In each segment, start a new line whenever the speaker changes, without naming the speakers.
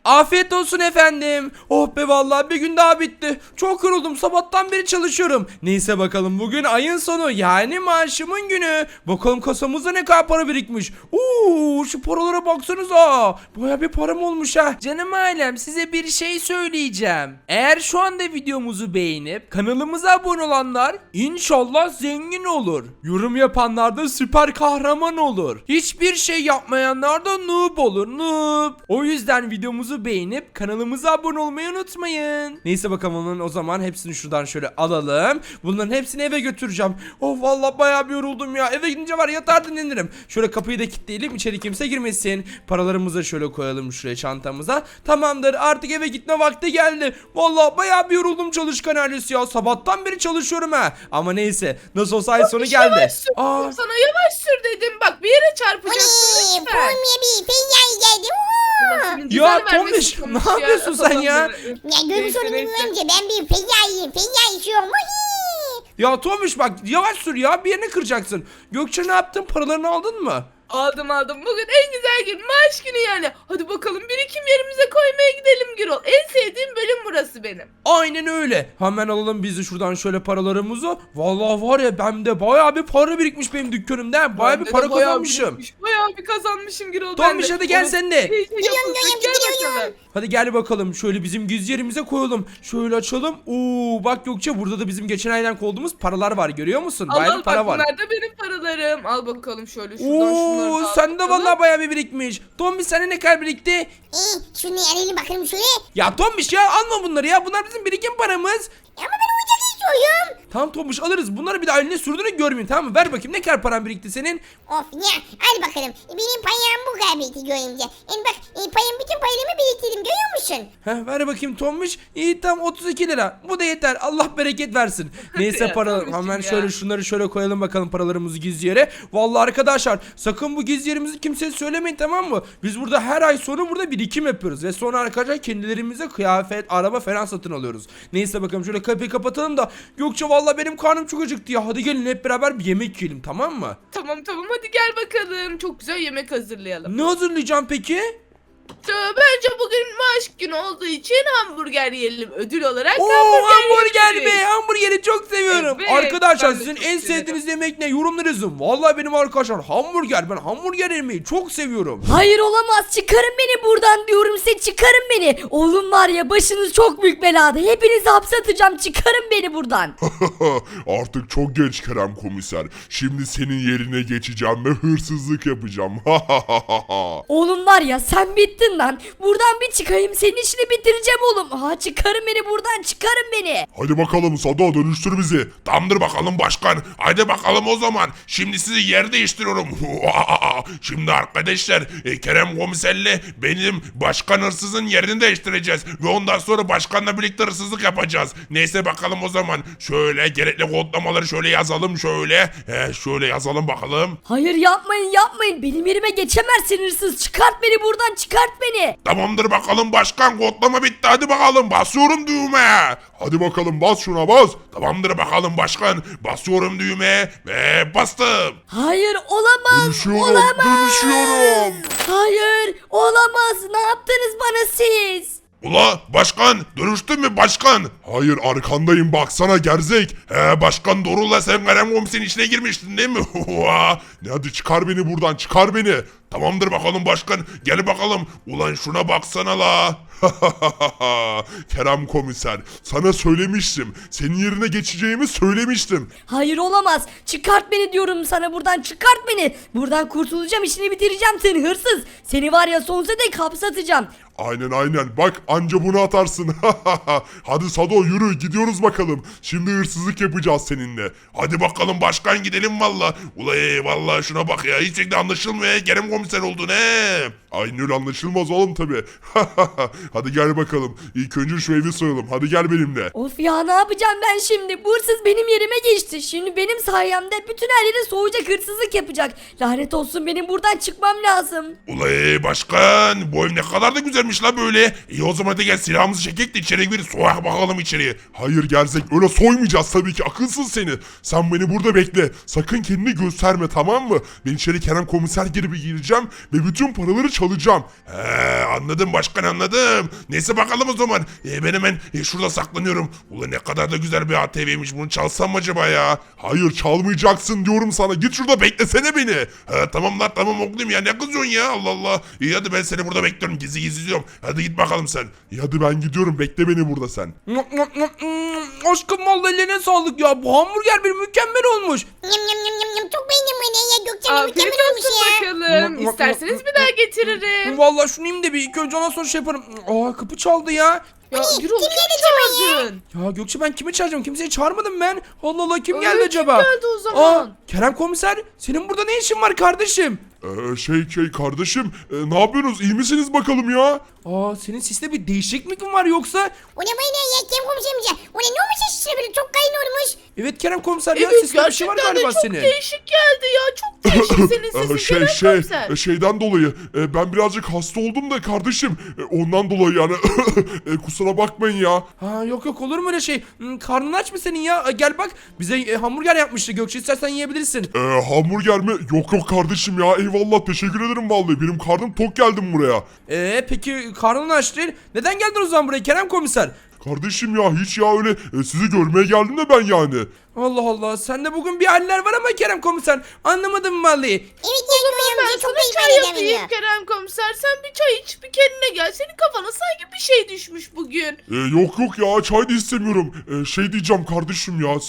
Afiyet olsun efendim. Oh be vallahi bir gün daha bitti. Çok yoruldum. Sabahtan beri çalışıyorum. Neyse bakalım bugün ayın sonu yani maaşımın günü. Bakalım kasamızda ne kadar para birikmiş. Şu paralara baksanıza. Baya bir param olmuş ha. Canım ailem size bir şey söyleyeceğim. Eğer şu anda videomuzu beğenip kanalımıza abone olanlar inşallah zengin olur. Yorum yapanlar da süper kahraman olur. Hiçbir şey yapmayanlar da noob olur. Noob. O yüzden videomuzu beğenip kanalımıza abone olmayı unutmayın. Neyse bakalım o zaman hepsini şuradan şöyle alalım. Bunların hepsini eve götüreceğim. Oh vallahi bayağı bir yoruldum ya. Eve gidince var yatar dinlenirim. Şöyle kapıyı da kilitleyelim. İçeri kimse girmesin. Paralarımızı şöyle koyalım şuraya çantamıza. Tamamdır artık eve gitme vakti geldi. Vallahi bayağı bir yoruldum çalışkan ailesi ya. Sabahtan beri çalışıyorum ha. Ama neyse nasıl olsa ay sonu geldi.
Yavaş sür. Sana yavaş sür dedim. Bak bir yere çarpacaksın lütfen.
Pomya bir fenyay geldi.
Senin
Ya
güzel vermesin
Tombiş
Tombiş
ne yapıyorsun sen ya?
Ya görmüş
Neyse,
olduğunuz
neyse.
önce ben bir fenyayım. Fenyay içiyorum.
Ya Tombiş bak yavaş sür ya bir yerini kıracaksın. Gökçe ne yaptın paralarını aldın mı?
Aldım. Bugün en güzel gün. Maaş günü yani. Hadi bakalım birikim yerimize koymaya gidelim Gürol. En sevdiğim bölüm burası benim.
Aynen öyle. Hemen alalım biz de şuradan şöyle paralarımızı. Vallahi var ya bende bayağı bir para birikmiş benim dükkanımda. Bayağı bir
Bende
para
de bayağı
kazanmışım.
birikmiş, Bayağı bir kazanmışım Gürol.
Tombiş hadi gel sen de.
Gidiyorum,
Gel
gidiyorum.
bakalım.
Hadi gel bakalım şöyle bizim gizli yerimize koyalım. Şöyle açalım. Bak Gökçe burada da bizim geçen aydan kovduğumuz paralar var görüyor musun? Bayağı bir para
bak,
var.
bunlar da benim paralarım. Al bakalım şöyle şuradan şunları da al
Sen de
bakalım.
vallahi bayağı bir birikmiş. Tombiş sende ne kadar birikti?
Şunu alayım bakalım şöyle.
Ya Tombiş ya alma bunları ya. Bunlar bizim birikim paramız.
Ama ben oyuncak istiyorum.
Tamam Tombiş alırız. Bunları bir daha eline sürdüğünü görmeyeyim tamam mı? Ver bakayım ne kadar paran birikti senin?
Of ya al bakalım. Benim payam bu kadar birikti görünce. Yani bak payım bütün paylarımı biriktirdim görüyor musun?
Ver bakayım Tombiş. İyi tam 32 lira. Bu da yeter. Allah bereket versin. Neyse
Ya,
para
Tombiş'cim
hemen
ya.
şöyle şunları şöyle koyalım bakalım paralarımızı gizli yere. Vallahi arkadaşlar sakın bu gizli yerimizi kimseye söylemeyin tamam mı? Biz burada her ay sonu burada birikim yapıyoruz ve sonra arkadaşlar kendilerimize kıyafet, araba falan satın alıyoruz. Neyse bakalım şöyle kapıyı kapatalım da Gökçe vallahi benim karnım çok acıktı ya. Hadi gelin hep beraber bir yemek yiyelim tamam mı?
Tamam hadi gel bakalım. Çok güzel yemek hazırlayalım.
Ne hazırlayacağım peki?
Bence bugün maaş günü olduğu için hamburger yiyelim. Ödül olarak
Hamburger
yiyeceğiz.
be hamburgeri çok seviyorum.
Evet,
Arkadaşlar
ben de
sizin
çok
en
severim.
sevdiğiniz yemek ne? Yorumlara yazın. Vallahi benim arkadaşlar hamburger. Ben hamburger yemeyi çok seviyorum.
Hayır olamaz çıkarın beni buradan diyorum size çıkarın beni. Oğlum var ya başınız çok büyük belada. Hepinizi hapse atacağım çıkarın beni buradan.
Artık çok geç Kerem komiser. Şimdi senin yerine geçeceğim ve hırsızlık yapacağım.
Oğlum var ya sen bittin lan. Buradan bir çıkayım senin işini bitireceğim oğlum. Çıkarın beni buradan çıkarın beni.
Hadi bakalım Sado dönüştür bizi. Tamamdır bakalım başkan. Hadi bakalım o zaman. Şimdi sizi yer değiştiriyorum. Şimdi arkadaşlar Kerem komiserle benim başkan hırsızın yerini değiştireceğiz. Ve ondan sonra başkanla birlikte hırsızlık yapacağız. Neyse bakalım o zaman. Şöyle gerekli kodlamaları şöyle yazalım şöyle. Şöyle yazalım bakalım.
Hayır yapmayın benim yerime geçemezsin hırsız. Çıkart beni buradan çıkart beni.
Tamamdır bakalım başkan kodlama bitti hadi bakalım basıyorum düğmeye. Hadi bakalım bas şuna bas. Tamamdır bakalım başkan basıyorum düğmeye ve bastım.
Hayır olamaz.
Dönüşüyorum.
Hayır olamaz. Ne yaptınız bana siz?
Ula başkan dönüştün mü başkan? Hayır arkandayım baksana gerzek. Başkan doğrula sen Kerem komiserin içine girmiştin değil mi? Ne hadi çıkar beni buradan çıkar beni. Tamamdır bakalım başkan gel bakalım. Ulan şuna baksana la. Kerem komiser sana söylemiştim. Senin yerine geçeceğimi söylemiştim.
Hayır olamaz. Çıkart beni diyorum sana buradan çıkart beni. Buradan kurtulacağım işini bitireceğim seni hırsız. Seni var ya sonsuza dek hapse atacağım.
Aynen bak anca bunu atarsın. Hadi Sado yürü gidiyoruz bakalım. Şimdi hırsızlık yapacağız seninle. Hadi bakalım başkan gidelim valla. Ulay valla şuna bak ya hiç şekilde anlaşılmıyor. Kerem komiser oldun he. Aynen öyle anlaşılmaz oğlum tabi. Hadi gel bakalım. İlk önce şu evi soyalım. Hadi gel benimle.
Of ya ne yapacağım ben şimdi? Bu hırsız benim yerime geçti. Şimdi benim sayemde bütün her yere soğuyacak hırsızlık yapacak. Lanet olsun benim buradan çıkmam lazım.
Ulay başkan bu ev ne kadar da güzelmiş la böyle. İyi o zaman hadi gel silahımızı çekek de içeri gir soyak bakalım içeriye. Hayır gerzek öyle soymayacağız tabii ki akılsız seni. Sen beni burada bekle. Sakın kendini gösterme tamam mı? Ben içeri Kerem komiser gibi gireceğim ve bütün paraları çalacağım. Anladım başkan anladım. bakalım. Neyse bakalım o zaman. Ben hemen şurada saklanıyorum. Ulan ne kadar da güzel bir ATV'ymiş. Bunu çalsam mı acaba ya? Hayır çalmayacaksın diyorum sana. Git şurada beklesene beni. Ha, tamam lan tamam oğlum ya. Ne kızıyorsun ya? Allah Allah. İyi hadi ben seni burada bekliyorum. Gizli gizli diyorum. Hadi git bakalım sen. İyi hadi ben gidiyorum. Bekle beni burada sen.
Aşkım vallahi ellerine sağlık ya. Bu hamburger bir mükemmel olmuş.
Yum yum yum yum yum. Çok beğendim bunu ya. Gökçen
Afiyet
mükemmel olmuş
olsun
ya.
bakalım. İsterseniz bir daha getiririm.
Vallahi şunu yiyeyim de bir ilk önce ondan sonra şey yaparım. Aa kapı çaldı ya.
Ya
Hani,
Gürol
kim
kim
geldi acaba
çağırdın?
Ya Gökçe ben kimi çağıracağım? Kimseyi çağırmadım ben. Allah Allah kim
Öyle
geldi
kim
acaba?
geldi o zaman?
Kerem komiser senin burada ne işin var kardeşim?
Kardeşim ne yapıyorsunuz? İyi misiniz bakalım ya?
Senin siste bir değişiklik mi var yoksa?
O ne böyle ya? Kim komiserim? O ne olmuş işte böyle çok kayın olmuş.
Evet Kerem komiser ya
Evet
siste bir şey var
gerçekten de
galiba
çok
senin.
değişik geldi ya. Çok değişik senin sesin Kerem komiser.
Şeyden dolayı ben birazcık hasta oldum da kardeşim ondan dolayı yani kusura bakmayın ya.
Yok olur mu öyle şey? Karnın aç mı senin ya? Gel bak bize hamburger yapmıştı Gökçe istersen yiyebilirsin.
Hamburger mi? Yok kardeşim ya eyvallah teşekkür ederim vallahi benim karnım tok geldim buraya.
Peki karnın aç değil. Neden geldin o zaman buraya Kerem komiser?
Kardeşim ya hiç ya öyle sizi görmeye geldim de ben yani.
Allah Allah sende bugün bir haller var ama Kerem komiser anlamadım vallahi.
Evet ya
Ben
Gökçen çok
sana
beğendim.
çay yapayım Kerem komiser. Sen bir çay iç bir kendine gel. Senin kafana sanki bir şey düşmüş bugün.
Yok ya çay da istemiyorum. Şey diyeceğim kardeşim ya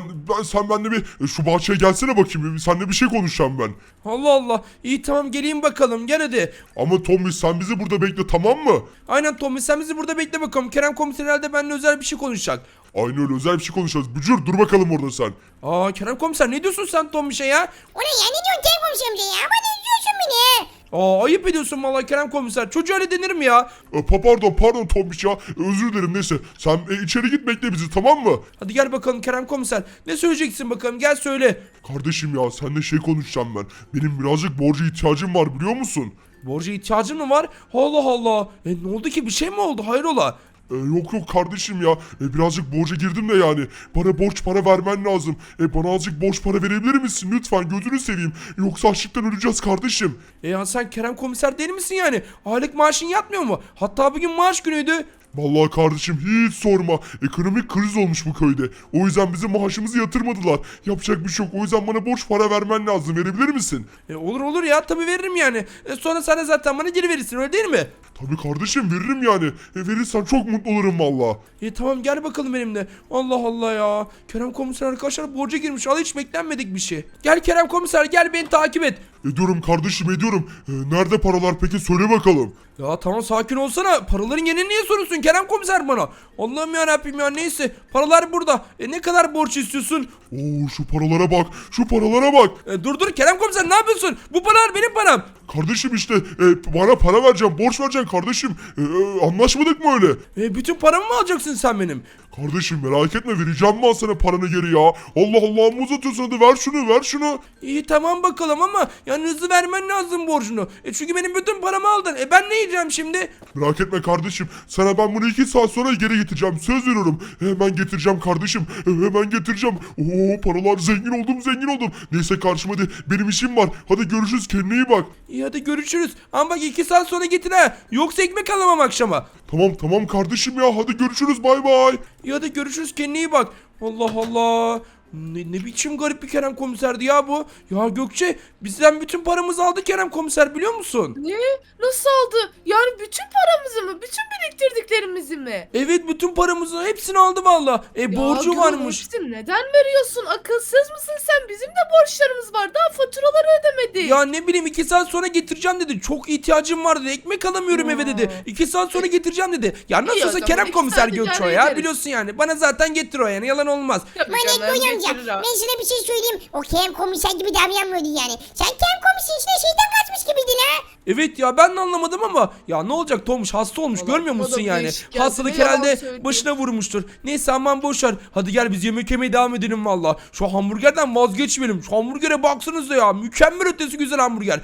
sen benimle bir şu bahçeye gelsene bakayım. Seninle bir şey konuşacağım ben.
Allah Allah. İyi tamam geleyim bakalım gel hadi.
Ama Tommy sen bizi burada bekle tamam mı?
Aynen Tommy sen bizi burada bekle bakalım. Kerem komiser herhalde benimle özel bir şey konuşacak.
Aynı öyle özel bir şey konuşacağız. Bücür dur bakalım orada sen.
Kerem komiser ne diyorsun sen Tommy'şe ya?
O ne ya? Ne diyorsun Kerem komiserim ya? Ama ne diyorsun beni?
Ayıp ediyorsun vallahi Kerem komiser. Çocuğa öyle denir mi ya?
Pardon Tombiş ya. Özür dilerim neyse. Sen içeri git bekle bizi tamam mı?
Hadi gel bakalım Kerem komiser. Ne söyleyeceksin bakalım gel söyle.
Kardeşim ya seninle şey konuşacağım ben. Benim birazcık borca ihtiyacım var biliyor musun?
Borca ihtiyacın mı var? Allah Allah. Ne oldu ki bir şey mi oldu hayrola?
Yok kardeşim ya. Birazcık borca girdim de yani. Bana borç para vermen lazım. Bana azıcık borç para verebilir misin? Lütfen gözünü seveyim. Yoksa açlıktan öleceğiz kardeşim.
Ya sen Kerem komiser değil misin yani? Aylık maaşın yatmıyor mu? Hatta bugün maaş günüydü.
Vallahi kardeşim hiç sorma. Ekonomik kriz olmuş bu köyde. O yüzden bizim maaşımızı yatırmadılar. Yapacak bir şey yok. O yüzden bana borç para vermen lazım. Verebilir misin?
Olur ya tabii veririm yani. Sonra sen de zaten bana geri verirsin öyle değil mi?
Tabii kardeşim veririm yani. Verirsen çok mutlu olurum valla.
Tamam gel bakalım benimle. Allah Allah ya. Kerem komiser arkadaşlar borca girmiş. Al hiç beklenmedik bir şey. Gel Kerem komiser gel beni takip et.
Ediyorum kardeşim ediyorum. Nerede paralar peki söyle bakalım.
Ya tamam sakin olsana. Paraların yerini niye soruyorsun Kerem komiser bana? Allah'ım yarabbim ya neyse. Paralar burada. Ne kadar borç istiyorsun?
Oo şu paralara bak. Şu paralara bak.
Dur Kerem komiser ne yapıyorsun? Bu paralar benim param.
Kardeşim işte bana para vereceğim. Borç vereceksin kardeşim. Anlaşmadık mı öyle?
Bütün paramı mı alacaksın sen benim?
Kardeşim merak etme vereceğim ben sana paranı geri ya. Allah Allah mı uzatıyorsun hadi ver şunu.
İyi tamam bakalım ama yani hızlı vermen lazım borcunu. Çünkü benim bütün paramı aldın. Ben ne yiyeceğim şimdi?
Merak etme kardeşim. Sana ben bunu 2 saat sonra geri getireceğim. Söz veriyorum. Hemen getireceğim kardeşim. Hemen getireceğim. Oo paralar zengin oldum. Neyse kardeşim hadi benim işim var. Hadi görüşürüz kendine iyi bak.
İyi hadi görüşürüz. Ama bak 2 saat sonra getir ha. Yoksa ekmek alamam akşama.
Tamam kardeşim ya hadi görüşürüz bay bay.
İyi hadi görüşürüz kendine iyi bak. Allah Allah. Ne biçim garip bir Kerem komiserdi ya bu. Ya Gökçe bizden bütün paramızı aldı Kerem komiser biliyor musun?
Ne? Nasıl aldı? Yani bütün paramızı mı? Bütün biriktirdiklerimizi mi?
Evet bütün paramızı hepsini aldı valla. Borcu
Gürol,
varmış.
hepsini neden veriyorsun? Akılsız mısın sen? Bizim de borçlarımız var. Daha faturaları ödemedik.
Ya ne bileyim 2 saat sonra getireceğim dedi. Çok ihtiyacım var dedi. Ekmek alamıyorum eve dedi. 2 saat sonra getireceğim dedi. Ya
İyi o
nasılsa
zaman,
Kerem
2
komiser
saat
Gökçe o
idare
ya
ederiz.
biliyorsun yani. Bana zaten getir o yani yalan olmaz.
Tabii
Bana
canım,
Gökçen amca
getirir o.
ben sana bir şey söyleyeyim. O Kerem komiser gibi davranmıyordu yani. Sen Kerem komiserin içine şeyden kaçmış gibiydin ha.
Evet ya ben de anlamadım ama ya ne olacak Tomuş hasta olmuş
Vallahi
görmüyor
bana
musun
da
yani?
değişik geldi,
Hastalık
ne yalan
herhalde
söyleyeyim.
başına vurmuştur. Neyse aman boşver. Hadi gel biz yemek yemeye devam edelim valla. Şu hamburgerden vazgeçmeyelim. Şu hamburgere baksanıza ya. Mükemmel ötesi güzel hamburger.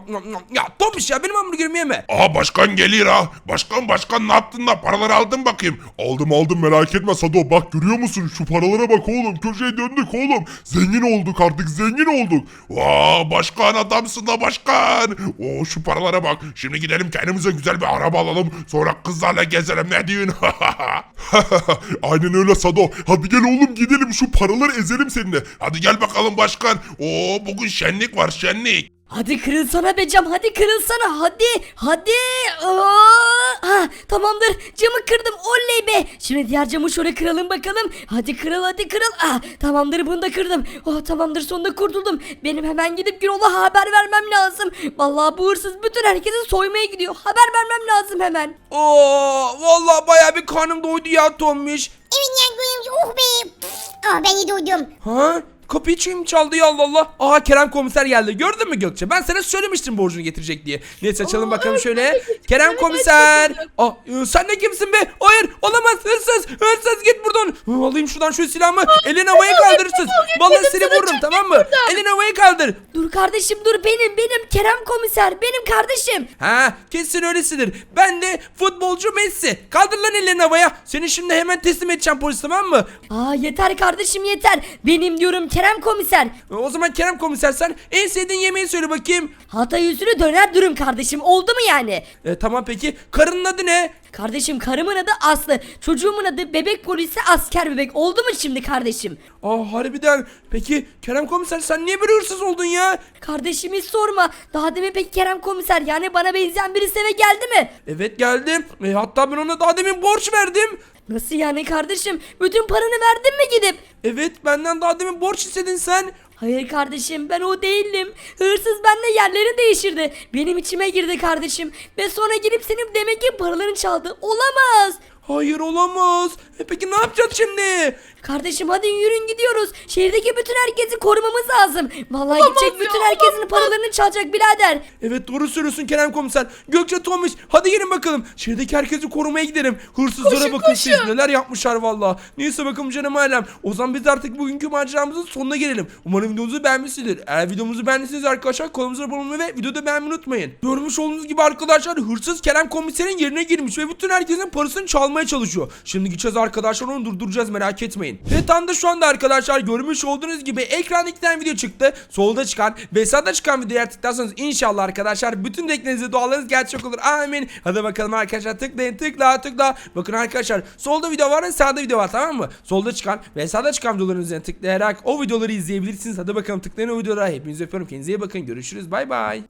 Ya Tomuş ya benim hamburgerimi yeme.
Aha başkan geliyor ha. Başkan ne yaptın da paraları aldın bakayım. Aldım merak etme Sado bak görüyor musun şu paralara bak oğlum köşeye döndük oğlum. Zengin olduk artık zengin olduk. Vaa başkan adamsın da başkan. Oo şu paralara bak. Şimdi gidelim kendimize güzel bir araba alalım. Sonra kızlarla gezelim, ne diyorsun? Aynen öyle Sado. Hadi gel oğlum gidelim, şu paraları ezelim seninle. Hadi gel bakalım başkan. Oo, bugün şenlik var, şenlik.
Hadi kırılsana be cam, hadi kırılsana, hadi. Ha, tamamdır, camı kırdım, oley be. Şimdi diğer camı şöyle kıralım bakalım. Hadi kırıl. Tamamdır, bunu da kırdım. Oh, tamamdır, sonunda kurtuldum. Benim hemen gidip Gürol'a haber vermem lazım. Vallahi bu hırsız bütün herkesi soymaya gidiyor. Haber vermem lazım hemen.
Oo, vallahi bayağı bir karnım doydu ya Tombiş.
Evet ya Göğe amca, oh be. Ben de doydum.
Ha? Kapıyı kim çaldı ya, Allah Allah. Aha, Kerem komiser geldi. Gördün mü Gökçe? Ben sana söylemiştim borcunu getirecek diye. Neyse açalım bakalım
evet,
şöyle.
ben de getirdim.
Kerem
Evet,
komiser.
gerçekten.
Sen de kimsin be? Hayır, olamaz, hırsız. Hırsız, git buradan. Alayım şuradan şu silahımı. Elini havaya kaldır hırsız. Vallahi seni
sana,
vururum,
çık
tamam
git
mı?
buradan.
Elini havaya kaldır.
Dur kardeşim, dur, benim Kerem komiser, benim kardeşim.
Ha, kesin öylesidir. Ben de futbolcu Messi. Kaldır lan ellerini havaya. Seni şimdi hemen teslim edeceğim polis, tamam mı?
Yeter kardeşim, yeter. Benim diyorum Kerem komiser.
O zaman Kerem komiser, sen en sevdiğin yemeği söyle bakayım.
Hatay usulü döner dürüm kardeşim, oldu mu yani?
Tamam, peki karının adı ne?
Kardeşim, karımın adı Aslı, çocuğumun adı bebek polisi asker bebek, oldu mu şimdi kardeşim?
Harbiden. Peki Kerem komiser, sen niye böyle hırsız oldun ya?
Kardeşim hiç sorma. Daha demin peki Kerem komiser, yani bana benzeyen birisi eve geldi mi?
Evet, geldim. Hatta ben ona daha demin borç verdim.
Nasıl yani kardeşim? Bütün paranı verdin mi gidip?
Evet, benden daha demin borç istedin sen.
Hayır kardeşim, ben o değildim. Hırsız benimle yerleri değiştirdi. Benim içime girdi kardeşim. Ve sonra gelip senin demek ki paralarını çaldı. Olamaz.
Hayır, olamaz. Peki ne yapacağız şimdi?
Kardeşim hadi yürün gidiyoruz. Şehirdeki bütün herkesi korumamız lazım. Vallahi
Olamaz
gidecek
ya,
bütün herkesin
olamaz.
paralarını çalacak birader.
Evet, doğru söylüyorsun Kerem komiser. Gökçe, Tomiş, hadi gelin bakalım. Şehirdeki herkesi korumaya gidelim. Hırsızlara
Koşun,
bakın siz
koşun.
neler yapmışlar valla. Neyse bakalım canım ailem. O zaman biz artık bugünkü maceramızın sonuna gelelim. Umarım videomuzu beğenmişsinizdir. Eğer videomuzu beğendiyseniz arkadaşlar kanalımıza abone olmayı ve videoda beğenmeyi unutmayın. Görmüş olduğunuz gibi arkadaşlar, hırsız Kerem komiserin yerine girmiş ve bütün herkesin parasını çalmaya çalışıyor. Şimdi gideceğiz arkadaşlar, onu durduracağız, merak etmeyin. Ve tam da şu anda arkadaşlar görmüş olduğunuz gibi ekranda 2 tane video çıktı. Solda çıkan ve sağda çıkan videoya tıklarsanız inşallah arkadaşlar bütün dilekleriniz ve dualarınız gerçek olur. Amin. Hadi bakalım arkadaşlar, tıklayın, tıkla. Bakın arkadaşlar, solda video var ve sağda video var, tamam mı? Solda çıkan ve sağda çıkan videoların üzerine tıklayarak o videoları izleyebilirsiniz. Hadi bakalım, tıklayın o videolara. Hepinizi öpüyorum. Kendinize iyi bakın. Görüşürüz. Bay bay.